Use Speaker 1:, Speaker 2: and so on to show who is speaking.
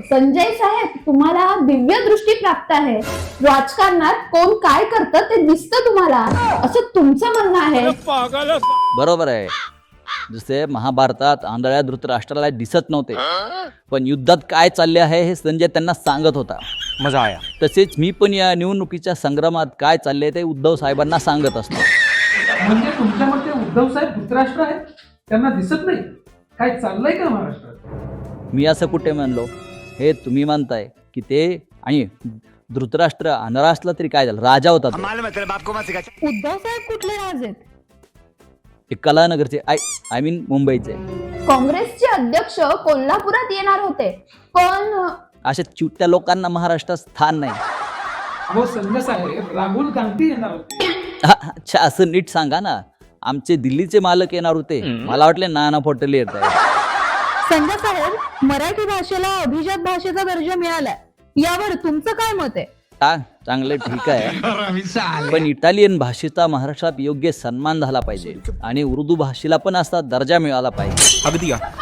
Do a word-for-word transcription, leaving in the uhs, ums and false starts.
Speaker 1: संजय साहेब, तुम्हाला दिव्य दृष्टी प्राप्त आहे. राजकारणात कोण काय करतं ते दिसतं तुम्हाला, असं तुमचं म्हणणं आहे.
Speaker 2: बरोबर आहे. जसे महाभारतात आंधळ्या धृतराष्ट्राला दिसत नव्हते, पण युद्धात काय चालले आहे हे संजय त्यांना सांगत होता.
Speaker 3: मजा आया.
Speaker 2: तसेच मी पण या निवडणुकीच्या संग्रामात काय चालले ते उद्धव साहेबांना सांगत असतो.
Speaker 4: म्हणजे तुमच्या मते उद्धव साहेब धृतराष्ट्र आहेत, त्यांना दिसत नाही काय चाललंय का महाराष्ट्रात?
Speaker 2: मी असं कुठे म्हणलो? हे तुम्ही म्हणताय की ते, आणि धृतराष्ट्र आंधळा असला तरी काय झालं, राजा होता तो.
Speaker 1: उद्धव साहेब कुठले राज आहेत?
Speaker 2: ते कलानगरचे, आय आय मीन मुंबईचे.
Speaker 1: काँग्रेसचे अध्यक्ष कोल्हापुरात येणार होते, पण
Speaker 2: अशा चिवट्या लोकांना महाराष्ट्रात स्थान नाही.
Speaker 4: अहो संजय साहेब, राहुल गांधी येणार होते.
Speaker 2: हा, अच्छा, असं नीट सांगा ना. आमचे दिल्लीचे मालक येणार होते, मला वाटले नाना पटोले येत आहे.
Speaker 1: संजय साहेब, मराठी भाषेला अभिजात भाषेचा दर्जा मिळालाय, यावर तुमचं काय मत आहे?
Speaker 2: हा, चांगलं, ठीक आहे, पण इटालियन भाषेचा महाराष्ट्रात योग्य सन्मान झाला पाहिजे आणि उर्दू भाषेला पण असा दर्जा मिळाला पाहिजे.
Speaker 3: अगदी